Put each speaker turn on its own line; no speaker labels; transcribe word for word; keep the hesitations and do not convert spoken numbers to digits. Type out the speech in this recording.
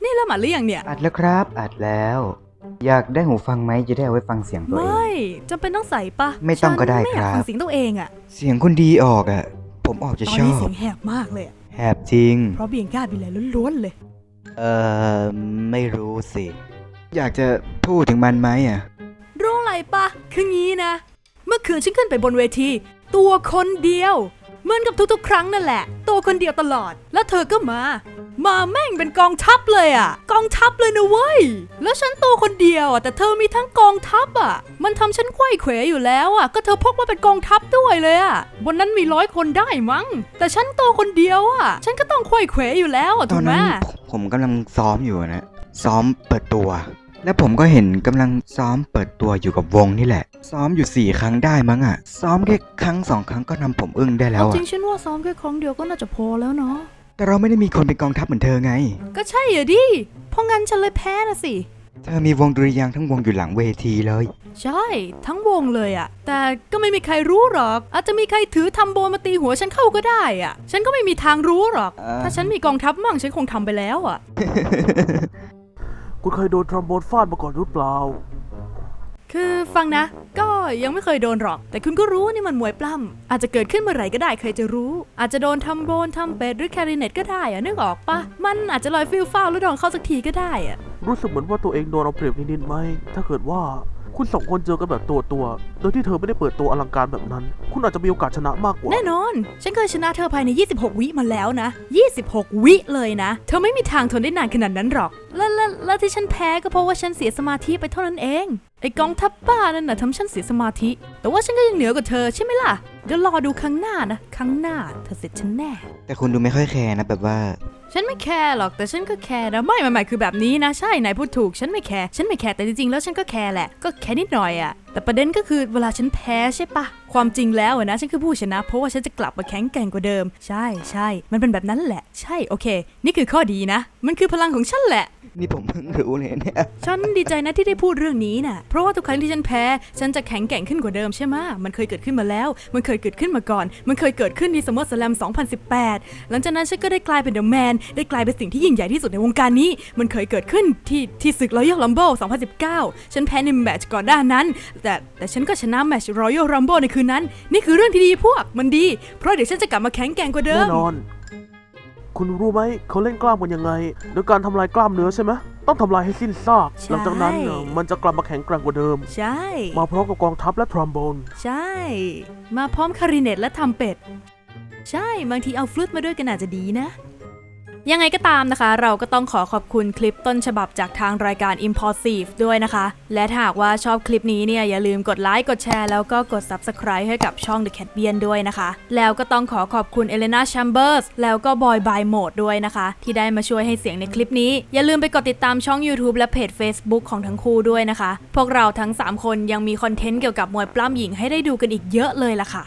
นี่เริ่มอัดหรือยังเนี่ย
อัดแล้วครับอัดแล้วอยากได้หูฟังไหมจะได้เอาไว้ฟังเสียงตัวเอง
ไม่จำเป็นต้องใส่ปะ
ไม่ต้องก็ได้ครับ
ไม่อยากฟังเสียงตัวเองอะ
เสียงคุณดีออกอ่ะผมออกจะ
ตอน
ชอ
นี้
บ
เสียงแหบมากเลยอะ
แหบจริง
เพราะเบียงก้าบิเลยล้วนๆเลย
เออไม่รู้สิ อยากจะพูดถึงมันไหมอ่ะ
รู้อะไรปะคืองี้นะ เมื่อคืนฉันขึ้นไปบนเวทีตัวคนเดียวเหมือนกับทุกๆครั้งนั่นแหละตัวคนเดียวตลอดแล้วเธอก็มา มาแม่งเป็นกองทัพเลยอ่ะกองทัพเลยนะเว้ยแล้วฉันตัวคนเดียวอ่ะแต่เธอมีทั้งกองทัพอ่ะมันทำฉันไขว้เขวอยู่แล้วอ่ะก็เธอพกมาเป็นกองทัพด้วยเลยอ่ะบนนั้นมีร้อยคนได้มั้งแต่ฉันตัวคนเดียวอ่ะฉันก็ต้องไขว้เขวอยู่แล้วอ่ะ
ต
ถู
อก น
ไหม
นั้นผมกำลังซ้อมอยู่นะซ้อมเปิดตัว และผมก็เห็นกำลังซ้อมเปิดตัวอยู่กับวงนี่แหละซ้อมอยู่สี่ครั้งได้มั้งอ่ะซ้อมแค่ครั้งสองครั้งก็ทำผมอึ้งได้แล้ว
จ
อ่ะ
ริงฉันว่าซ้อมแค่ครั้งเดียวก็น่าจะพอแล้วเนาะ
แต่เราไม่ได้มีคนเป็นกองทัพเหมือนเธอไง
ก็ใช่อ่ะดิเพราะงั้นฉันเลยแพ้นะสิ
เธอมีวงดุริยางค์ทั้งวงอยู่หลังเวทีเลย
ใช่ทั้งวงเลยอะแต่ก็ไม่มีใครรู้หรอกอาจจะมีใครถือทำโบมาตีหัวฉันเข้าก็ได้อะฉันก็ไม่มีทางรู้หรอก ถ้าฉันมีกองทัพมั่งฉันคงทำไปแล้วอะ
คุณเคยโดนทรอมโบนฟาดมาก่อนหรือเปล่า
คือฟังนะก็ยังไม่เคยโดนหรอกแต่คุณก็รู้นี่มันมวยปล้ำอาจจะเกิดขึ้นเมื่อไหร่ก็ได้เคยจะรู้อาจจะโดนทำโบนทำเป็ดหรือแคริเนตก็ได้อะนึกออกปะมันอาจจะลอยฟิลฟ้าวแล้วโดนเข้าสักทีก็ได้อะ
รู้สึกเหมือนว่าตัวเองโดนเอาเปรียบนิดๆไหมถ้าเกิดว่าคุณสองคนเจอกันแบบตัวตัวโดยที่เธอไม่ได้เปิดตัวอลังการแบบนั้นคุณอาจจะมีโอกาสชนะมากกว่า
แน่นอนฉันเคยชนะเธอภายในยี่สิบหกวิมาแล้วนะยี่สิบหกวิเลยนะเธอไม่มีทางทนได้นานขนาดนั้นหรอกแล้วแล้วแล้วที่ฉันแพ้ก็เพราะว่าฉันเสียสมาธิไปเท่านั้นเองไอ้กองทัพบ้านั่นน่ะทำฉันเสียสมาธิแต่ว่าฉันก็ยังเหนือกว่าเธอใช่ไหมล่ะเดี๋ยวรอดูครั้งหน้านะครั้งหน้าเธอเสร็จฉันแน่
แต่คุณดูไม่ค่อยแคร์นะแบบว่า
ฉันไม่แคร์หรอกแต่ฉันก็แคร์นะไม่ไม่ไม่คือแบบนี้นะใช่นายพูดถูกฉันไม่แคร์ฉันไม่แคร์แต่จริงๆแล้วฉันก็แคร์แหละก็แค่นิดหน่อยอะแต่ประเด็นก็คือเวลาฉันแพ้ใช่ปะความจริงแล้วนะฉันคือผู้ชนะเพราะว่าฉันจะกลับมาแข็งแกร่งกว่าเดิมใช่ใช่มันเป็นแบบนั้นแหละใช่โอเคนี่คือข้อดีนะมันคือพลังของฉันแหละ
นี่ผมเพิ่งรู้เลยเนี่ย
ฉันดีใจนะที่ได้พูดเรื่องนี้น่ะเพราะว่าทุกครั้งที่ฉันแพ้ฉันจะแข็งแกร่งขึ้นกว่าเดิมใช่ไหมมันเคยเกิดขึ้นมาแล้วมันเคยเกิดขึ้นมาก่อนมันเคยเกิดขึ้นในซัมเมอร์สแลมสองพันสิบแปดหลังจากนั้นฉันก็ได้กลายเป็นเดอะแมนได้กลายเป็นสิ่งที่ยิ่งใหญ่ที่สุดในวงการนี้มันเคยเกิดขึ้นที่ที่ศึก Royal Rumble สองพันสิบเก้าฉันแพ้ในแมตช์ก่อนหน้านั้นแต่แต่ฉันก็ชนะแมตช์ Royal Rumble ในคืนนั้นนี่คือเรื่องที่ดีพวกมันดีเพราะเดี๋ยวฉันจะกลับมาแข็งแกร่งกว่าเดิม
แน่นอนคุณรู้ไหมเขาเล่นกล้ามกันยังไงโดยการทำลายกล้ามเนื้อใช่ไหมต้องทำลายให้สิ้นซากหลังจากนั้นมันจะกลับมาแข็งแกร่งกว่าเดิม
ใช่
มาพร้อมกับกองทัพและทรอมโบน
ใช่มาพร้อมคาริเนตและทำเป็ดใช่บางทีเอาฟลุตมาด้วยกันอาจจะดีนะยังไงก็ตามนะคะเราก็ต้องขอขอบคุณคลิปต้นฉบับจากทางรายการ Impulsive ด้วยนะคะและถ้าหากว่าชอบคลิปนี้เนี่ยอย่าลืมกดไลค์กดแชร์แล้วก็กด Subscribe ให้กับช่อง The Catbian ด้วยนะคะแล้วก็ต้องขอขอบคุณ Elena Chambers แล้วก็ Boy by Mode ด้วยนะคะที่ได้มาช่วยให้เสียงในคลิปนี้อย่าลืมไปกดติดตามช่อง YouTube และเพจ Facebook ของทั้งคู่ด้วยนะคะพวกเราทั้งสามคนยังมีคอนเทนต์เกี่ยวกับมวยปล้ำหญิงให้ได้ดูกันอีกเยอะเลยล่ะค่ะ